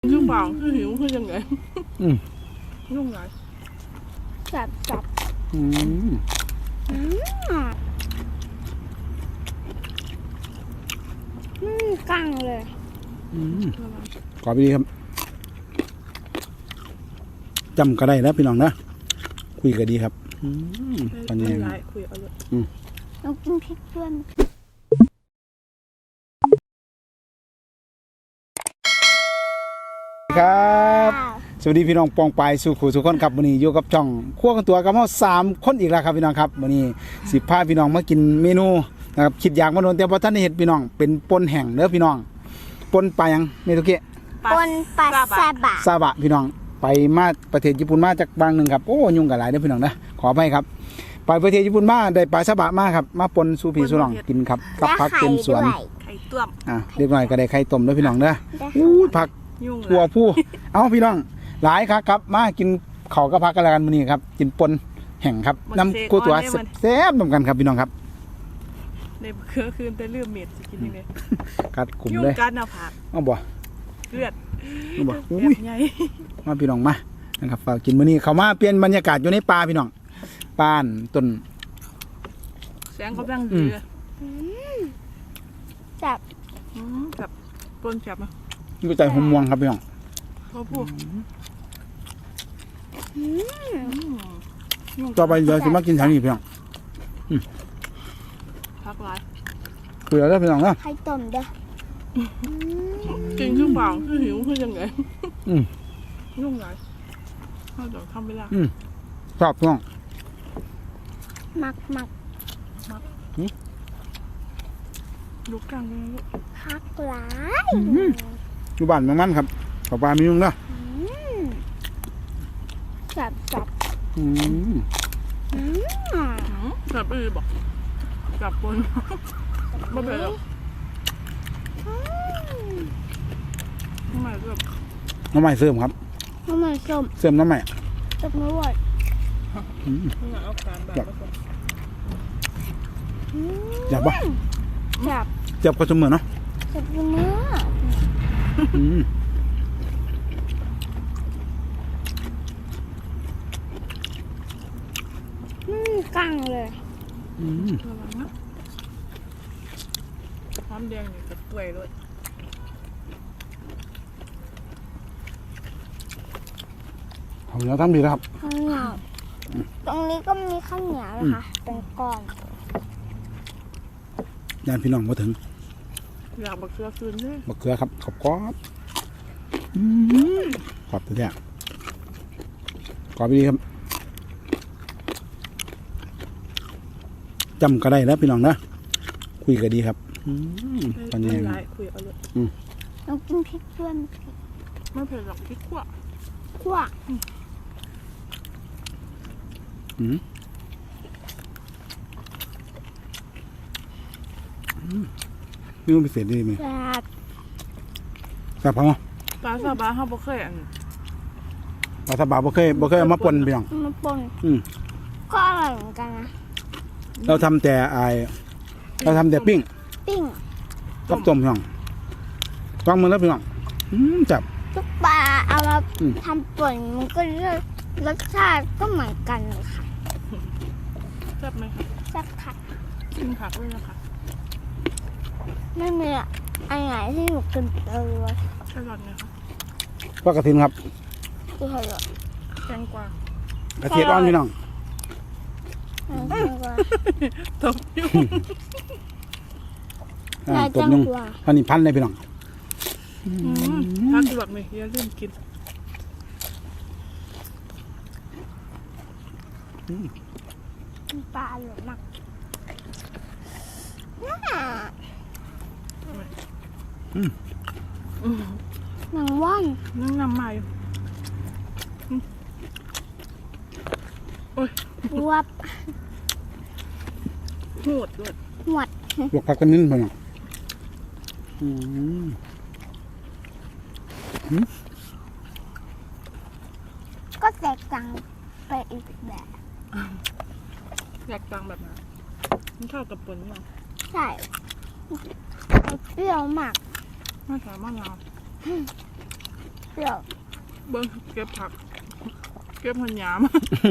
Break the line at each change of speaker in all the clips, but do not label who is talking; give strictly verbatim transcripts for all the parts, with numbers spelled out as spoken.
คือเปล่าคือหิวคือยังไง
อืม
ยุ่งไง
จับจับ
อืม
อืมอืมกังเลย
อืมขอไปดีครับจำก็ได้แล้วพี่น้องนะคุยก็ดีครับอืมตอนนี้
คุยเอาเลย
อืม
เรากินพริกด้วย
ครับสวัสดีพี่น้องปองปายสู่ขู่สุขคนครับวันนี้อยู่กับช่องคั่วกันตัวกับเราสามคนอีกแล้วครับพี่น้องครับวันนี้สิบพาพี่น้องมากินเมนูนะครับคิดอยากมาโดนแต่พอท่านได้เห็นพี่น้องเป็นปนแห้งเด้อพี่น้องปนปลายังเมตุเกะ
ปนปลาซาบะ
ซาบะพี่น้องไปมาประเทศญี่ปุ่นมาจากบางหนึ่งครับโอ้ยุ่งกับหลายเด้อพี่น้องนะขออภัยครับไปประเทศญี่ปุ่นมาได้ปลาซาบะมาครับมาปนสู่พี่สู่น้องกินครับกับผักเต็มสวน
ไข่ต้ม
อ่ะเรียกหน่อยก็ได้ไข่ต้มเด้อพี่น้องเด้ออู้ผักทั่วผู้เอาพี่น้องหลายครับครับมากินข้าวกับผักกันแล้วกันมื้อนี้ครับกินปนแห้งครับน้ำกู้ตัวแซ่บๆนำกันครับพี่น้องครับ
ในเครือคืนแต่เลือดเม็ดจะกินยังไง
กัดกลุ่มเลย
ยุ่งกันเอาผัก
เอาบ่
เลือด
เอาบ่อุ้ยมาพี่น้องมานะครับฝากกินมื้อนี้เข้ามาเปลี่ยนบรรยากาศอยู่ในป่าพี่น้องป่านต้น
แสงกำลังดี
จับ
จับปนจับมา
อยู่ใจหอมม่วงครับพี่น้อง
พ่อพูด
ต่อไปเดี๋ยวจะมากินทางนี้พี่น้อง
พักไว้
คุยแล้วพี่น้องนะ
ไข่ต้มเด้อ
กินคือเปล่าคือหิวคือยังไงยุ่งไงเขาจะทำเวลา
ชอบพี่น้อง
มักมัก
มักลูกกลางเลย
พักหลาย
อยู่บ้านมันครับขอปลามีนุ่งนะ
จับจับ
อืม
จับไปบอกจับปนไม่เป็นหรอกน้ำใหม่เสริม
น้ำใหม่เสริมครับ
น้ำใหม่ส้ม
เสริมน้ำใหม่
จับไม่ไหว
จับจับปะ
จับ
จับก็เสมอเนาะ
จับเสมอ
อืม
กังเลย
อืม
หอมแดงนี่กับกล้วยด้วย
ข้าวเหนียวทำดีแล้วครับ
ข้าวเหนียวตรงนี้ก็มีข้าวเหนียวนะคะเป็นก้อน
ยานพี่น้องมาถึง
อยากบักเกลือคืนเลย
บักเกลือครับขอบกรอบขอบตัวเนี่ยขอบไปดีครับจำก็ได้แล้วพี่น้องนะคุยก็ดีครับตอนนี้
คุยเอาเลย
เรากินพริกด้วย
ไม่เผ็ดหรอกพริกขั่ว
ขั่ว
อืมนี่มันพิเศษดีไหม
แซ่บ
แซ่บพอมั้ย
ปลาซาบะเขาบ่เคยอัน
ปลาซาบะบ่เคยบ่เคยเอามาปนพี่น้อง
มาปน
อืม
ก็อร่อยเหมือนกันนะ
เราทำแต่ไอเราทำแต่ปิ้ง
ปิ้ง
กับต้มพี่น้องฟังมือแล้วพี่น้องจับ
ทุกปลาเอามาทำป่นมันก็รสชาติก็เหมือนกันเลยค่ะ
แซ่บไหมคะ
แซ่บค่ะ
กินผักด้วยนะคะ
ไม่มีอะไรที่หนูกินเลย
แครอทนะคะ
ปลากระถินครับ
ที่แครอท
แตงกวาก
ระเทียมอ่อนพี่น้อง
ตบยุ่ง
ตบยุ่งอันนี้พันเลยพี่น้อง
พักหลอดไหมอย่าลืมกิน
ปลาหลุดมากหนังว่าน
นั่งนำใหม่โอ้ย
วับ
หวดหวด
หวด
ลวกผักกันนิดหน่อย
ก็แตกต่างไปอีกแบบ
แตกต่างแบบไหนมันเข้ากับปนยัง
ใช่เปรี้ยวมาก
ไม่ใส่มะนาว
เปรี้ยว
เบิ้งเก็บผัก เก็บหันยาม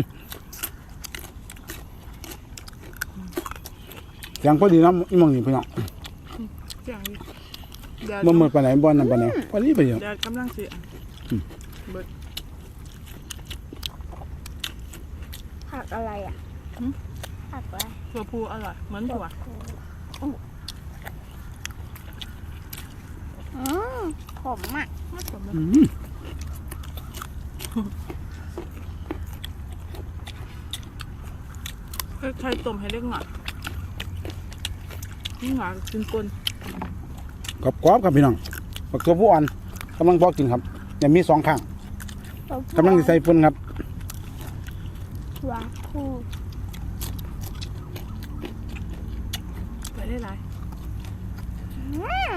ยังพอดีน้ำอีหมองนี่พี่น้อง
อย่างนี้แดด
บ่หมดไปไหนบ่นั่นไปไหนพอดีไปเยอะ
แดดกำลังเสียเบิด
ผักอะไรอ่ะผักอะไร
ถั่วพูอร่อยเหมือนถั่ว
อืมผมอ่ะ
ไม่สมเลย
อืม
ใครต้มให้เล็กหน่อยนี่หวานกินกลน
กรอบๆครับพี่น้องบักตัวผู้อ่อนกำลังพอกินครับยังมีสองข้างกำลังจะใส่ฝุ่นครับ
วาคู
ไปได้หลาย
อืม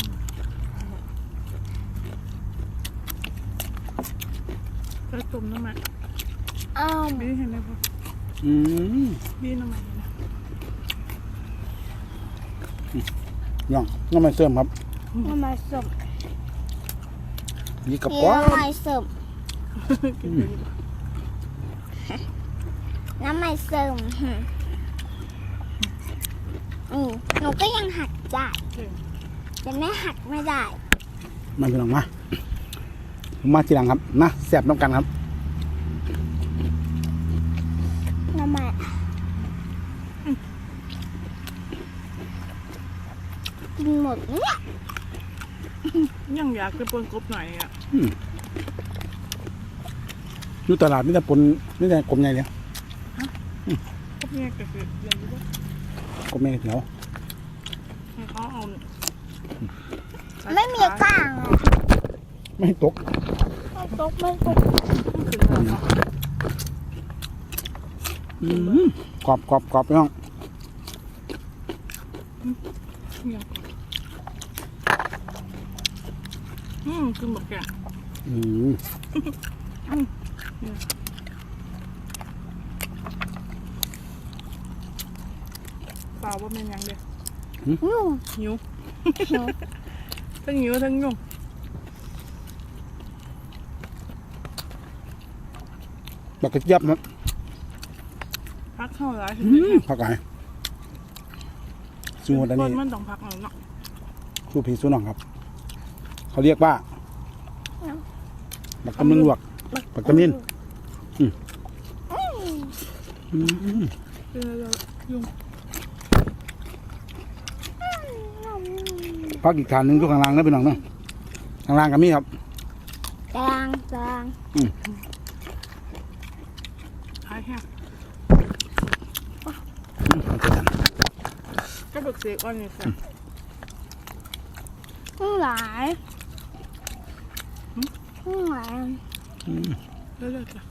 ใครต้มน้ำมัน
อ้าว
บีเห็นไหมพ่อ
อืม
บีน้ำมันนะ
ย่องน้ำมันเสื่อมครับ
น้ำมันสม
นี่กับ
เคี่
ก
ย
ร
ว
อบ
น้ำมันสม
กินไปดีกว่า
น้ำมันสมอืมหนูก็ยังหักได้
เก่ง
แต่แม่หักไม่ได้
มาพี่น้องมามาทีหลังครับนะแซ่บน้ำกันครับ
น้ำมันกินหมดเนี่ย
ยังอยากจะปนกบหน่อยอ่ะ
อยู่ตลาดนี่แต่ปนนี่แต่กลมใหญ่เลย
กบเนี่ยก็คืออย่างนี้ว่าก
ลมใหญ่เขียว
ให้เขาเอาเนี่ย
ไม่มีกลางอ่ะ
ไม่ให้ตก
ไม่ตกไม่ตก
ขึ้นมาเนาะ
อืมกรอบกรอบกรอบพี่น้อง
ยังอืมคือหมกแกง
อืม
เปล่าว่าเป็นยังเดียว
ยุ่ง
หิวทั้งหิวทั้งยุ่ง
บักกระเจี๊ยบนะ
พักเข้าร้าย
อืมผักไก่สูตรอัน
ค
นี้
นมันต้องพักหน่อยเนาะ
สูตรผีสูตรน้องครับ เขาเรียกว่าบักกำลังลวกบักกำมินอืมอืม
เป็นอะไรยุ่ง
พักอีกฐานหนึ่งทุกข้างล่างนะพี่น้องเนาะข้างล่างกับมีครับ
กลางกลาง
อืม
หายแห้ง
อืมเอาไปกัน
ก็บึกเสกอ่อนนี่ค่ะ
ข้างหลายข้างหลาย
อืม
เรื่อยๆจ้ะ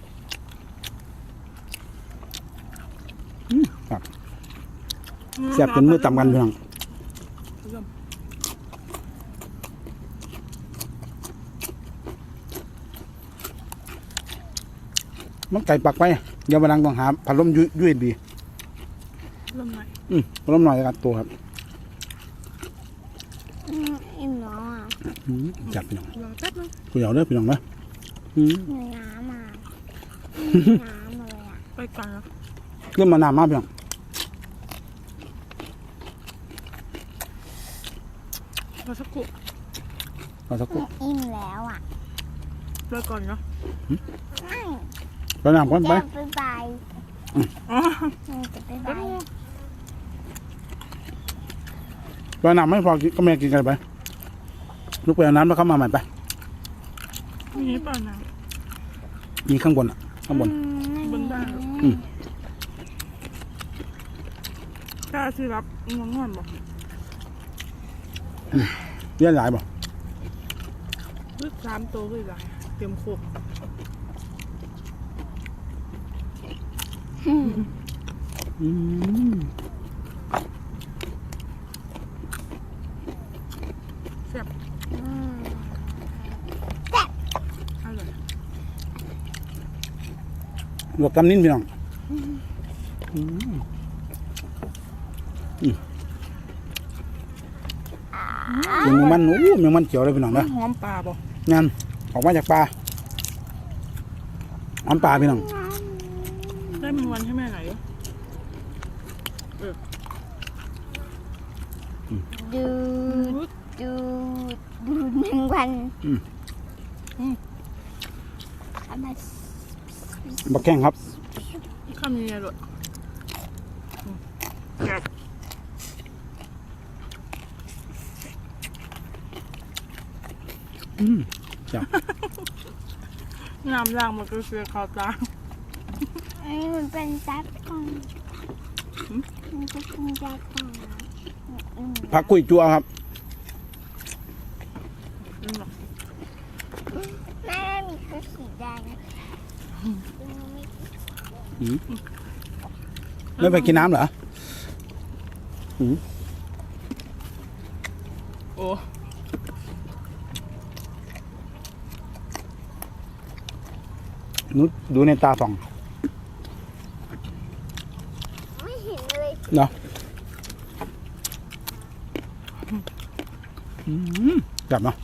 อืมครับแซ่บเป็นมือต่ำกันพี่น้อง
เริ่ม
มันไก่ปักไปเดี๋ยววันหลังต้องหาพัดลมยูยูเอ็นบี
เริ่มหน่อย
อืมพัดลมหน่อยแล้วกันตัวครับ
อืมอิ่มเนาะ
อืมจับพี่น้อง
รอแป๊บนึง
ผู้ใหญ่เด้อพี่น้องนะอืม
มีน้ำมาน้ำเลยอ่ะ
ไปก่อนนะ
เริ่มมานานมากพี่น้อง
รอสักครู่
รอสักครู่
อิ่มแล้วอ่ะ
รอก่อนเนาะ
ไม่
รอน้ำก่อนไป
จะไปไป
อ๋อ
จะไปไป
แป๊บนึง
รอน้ำไม่พอกินก็แม่กินกันไปลูกไปเอาน้ำแล้วเข้ามาใหม่ไป
มีเปล่านะ
มีข้างบนอ่ะข้างบน
บนบ้าน
อืม
กล้าสิรับงงอนบอก
เลี้ยงหลายบ่
ลึกสามตัวเลยหลายเตรียมโคก
อืม
แซ่บ
อืม
อร่อย
ลวกกำนิ้นพี่น้องอืมอืมเมียงมันโอ้เมียงมันเขียวเลยพี่น้องนะ
หอมปลาบอก
งานหอกมาจากปลาน้ำปลาพี่น้อง
ได้มันวันให้แม่ไหนเออ
ดูดูดูหนึ่งวัน
อืม
เอามา
บักแข้งครับ
ข้ามยังไงลูกแกะ
อืมจ้ะ
น้ำล่างมันก็เสียขาวตา
อันนี้มันเป็นจัดก่อนมันจะเป็นจัดก่อนอืม
ผักกุ้ยจั่วครับ
แม่มีคือสีแดง
อืมไม่ไปกินน้ำเหรออืม
โอ้
นุดดูในตาส่อง
ไม่เห็นเลย
เนาะอืมจับเนาะ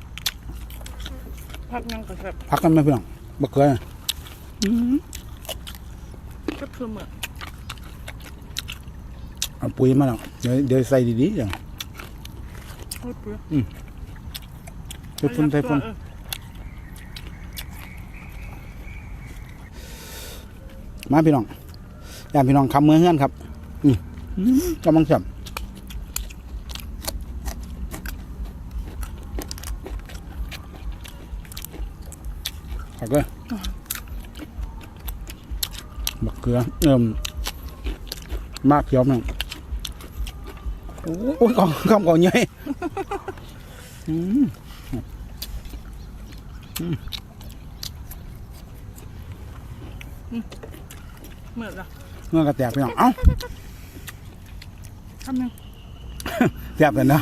พักยังกระแทบ
พักกันไหมพี่น้องบักเกลืออืม
ก็คือเหมือน
เอาปุ๋ยมาแล้วเดี๋ยวเดี๋ยวใส่ดีๆอย่าง
โอ้ยเปลือก
ใส่ฝุ่นใส่ฝุ่น
เออ
มาพี่น้องอย่าพี่น้องคำมือเฮือนครับ อืมอืมกำลังจับผักเลยบักเกลือเอิ่มมากเขียวมั้งโอ้ยกองกองกองใหญ่อืม
เหมือนละ
เมื่อกระแตกพี่น้องเอ้า
ทำยัง
แซ่บเลยเนาะ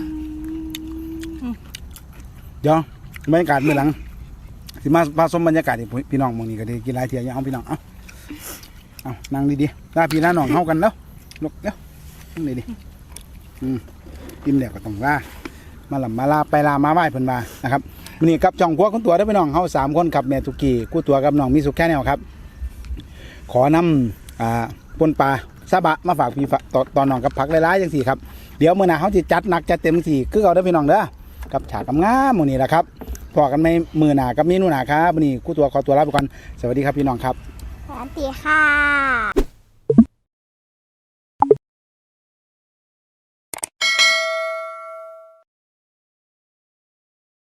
เดี๋ยวบรรยากาศมื้อหลังสิมาพาชมบรรยากาศให้พี่น้องมื้อนี้ก็ได้กินหลายเที่ยอย่างเอาพี่น้องเอ้าเอานั่งดีๆลาพี่ลาน้องเฮากันแล้วลุกเดี๋ยวนั่งดีๆอืมกินแล้วก็ต้องลามาลำมาลาไปลามาไหว้เพิ่นมานะครับมื้อนี้กับจ่องครัวคุณตัวได้อพี่น้องเฮาสามคนครับแม่ตุกี้กู้ตัวกับน้องมีสุขแค่แนวครับ ขอนำอ่าปนปลาซาบะมาฝากพี่ฝากตอนตอนน้องกับผักหลายๆจังสี่ครับเดี๋ยวมื้อหน้าเฮาสิจัดหนักจัดเต็มสี่คือเอาเด้อพี่น้องเด้อกับฉากงามๆหมู่นี้แหละครับพอกันไม่มื้อหน้ากับเมนูหน้าครับมื้อนี้กู้ตัวขอตัวลาไปก่อนสวัสดีครับพี่น้องครับ
สวัสดีค่ะ